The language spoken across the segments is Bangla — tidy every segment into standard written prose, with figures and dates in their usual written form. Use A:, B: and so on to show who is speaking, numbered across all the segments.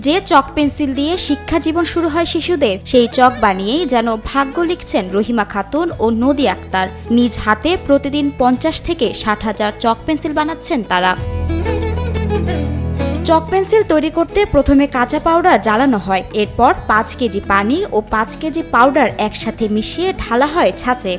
A: যে চক পেন্সিল দিয়ে শিক্ষা জীবন শুরু হয় শিশুদের, সেই চক বানিয়েই যেন ভাগ্য লিখছেন রহিমা খাতুন ও নদী আক্তার। নিজ হাতে প্রতিদিন 50 থেকে 60 হাজার চক পেন্সিল বানাচ্ছেন তারা। চক পেন্সিল তৈরি করতে প্রথমে কাঁচা পাউডার জ্বালানো হয়, এরপর 5 কেজি পানি ও 5 কেজি পাউডার একসাথে মিশিয়ে ঢালা হয় ছাঁচে।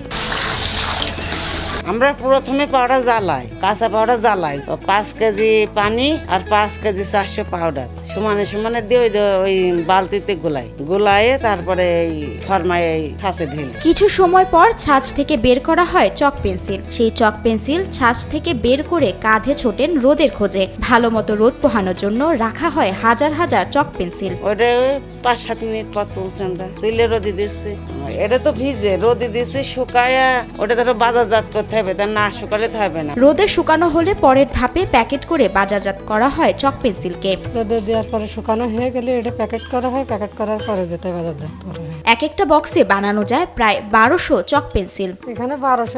B: আমরা প্রথমে পাউডার জ্বালাই, কাঁচা পাউডার জ্বালাই, 5 কেজি পানি আর 5 কেজি 400 পাউডার সমানে সমানে দিয়ে ওই বালতিতে গুলাইয়ে তারপরে এই ফরমায় এই ছাঁচে ঢেলে।
A: কিছু সময় পর ছাঁচ থেকে বের করা হয় চক পেন্সিল। সেই চক পেন্সিল ছাঁচ থেকে বের করে কাঁধে ছোটেন রোদের খোঁজে। ভালো মতো রোদ পোহানোর জন্য রাখা হয় হাজার হাজার চক পেন্সিল।
B: ওটা 5-7 মিনিট পর তুলছে, আমরা তুলে রোদে দিচ্ছি। এটা তো ভিজে রোদে দিচ্ছি, শুকায় ওটা ধরো বাজারজাত করতে হবে, তা না শুকালে তো হবে না।
A: রোদে শুকানো হলে পরের ধাপে প্যাকেট করে বাজারজাত করা হয় চক পেন্সিলকে।
C: রোদে দেওয়ার পরে শুকানো হয়ে গেলে এটা প্যাকেট করা হয়, প্যাকেট করার পরে যেতে বাজারজাত করা হয়।
A: এক একটা বক্সে বানানো যায় প্রায় 1200 চক পেন্সিল।
C: এখানে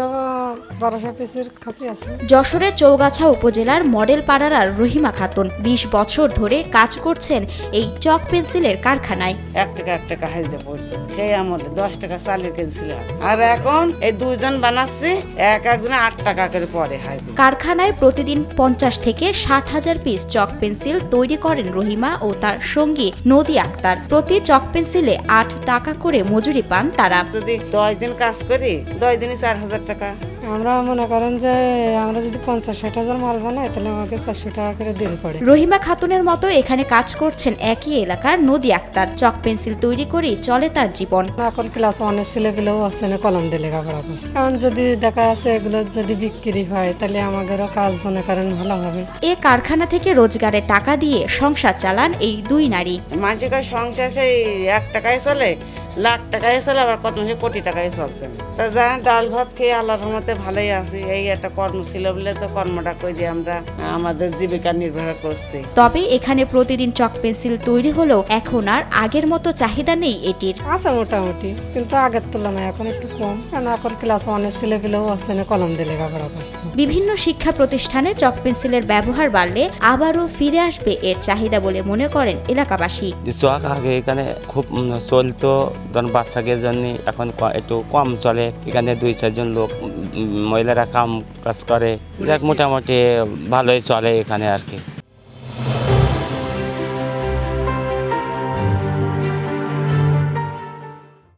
C: 1200 পিসের খাসি আছে।
A: যশোরের চৌগাছা উপজেলার মডেল পাড়ার রহিমা খাতুন 20 বছর ধরে কাজ করছেন এই চক পেন্সিলের কারখানায়।
B: 1 টাকা হাজিরা পড়তো সেই আমলে, 10 টাকা চালের কেজি ছিল। আর এখন এই 2 জন বানাচ্ছি, একজনে 8 টাকা করে পড়ে হাজিরা।
A: কারখানায় প্রতিদিন 50 থেকে 60 হাজার পিস চক পেন্সিল তৈরি করেন রহিমা ও তার সঙ্গী নদী আক্তার। প্রতি চক পেন্সিলে 8 টাকা করে মজুরি পান তারা।
B: যদি 10 দিন কাজ করি, 10 দিনে 4000 টাকা।
C: আমরা মনে করেন যে আমরা যদি 50-60 হাজার মাল বানাই তাহলে আমাকে 400 টাকা করে দিন পড়ে।
A: রহিমা খাতুনের মতো এখানে কাজ করছেন একই এলাকার নদী আক্তার। চক পেন্সিল তৈরি করেই চলে তার জীবন।
C: এখন ক্লাস 1-এর ছেলেগুলোও আছে না, কলম দিয়ে লেখাপড়া করছে। কারণ যদি দেখা যাচ্ছে এগুলো যদি বিক্রি হয় তাহলে আমাদেরও কাজ মনে করেন ভালো হবে।
A: এ কারখানা থেকে রোজগারের টাকা দিয়ে সংসার চালান এই দুই নারী।
B: মানুষের সংসার সেই 1 টাকায় চলে, লাখ টাকায় চলে, আবার কত মাসে কোটি টাকায় চলছে। তা যা ডাল ভাত খেয়ে আল্লাহর রহমতে ভালোই আছি। এই একটা কর্ম ছিল বলে তো কর্মটা করে আমরা আমাদের জীবিকা নির্ভর করছি।
A: তবে এখানে প্রতিদিন চক পেন্সিল তৈরি হলেও এখন আর আগের মতো চাহিদা নেই এটির।
C: আছে মোটামুটি, কিন্তু আগের তুলনায় এখন একটু কম। কারণ এখন ক্লাস 1-এর ছেলেগুলোও আছে না, কলম দিয়ে লেখাপড়া করছে।
A: বিভিন্ন শিক্ষা প্রতিষ্ঠানে চক পেন্সিলের ব্যবহার বাড়লে আবারও ফিরে আসবে এর চাহিদা বলে মনে করেন এলাকাবাসী।
D: চক আগে এখানে খুব চলতো, ধরুন বাচ্চাদের জন্য এখন একটু কম চলে। এখানে 2-4 জন লোক মহিলারা কাজ করে, যাক মোটামুটি ভালোই চলে এখানে আর কি।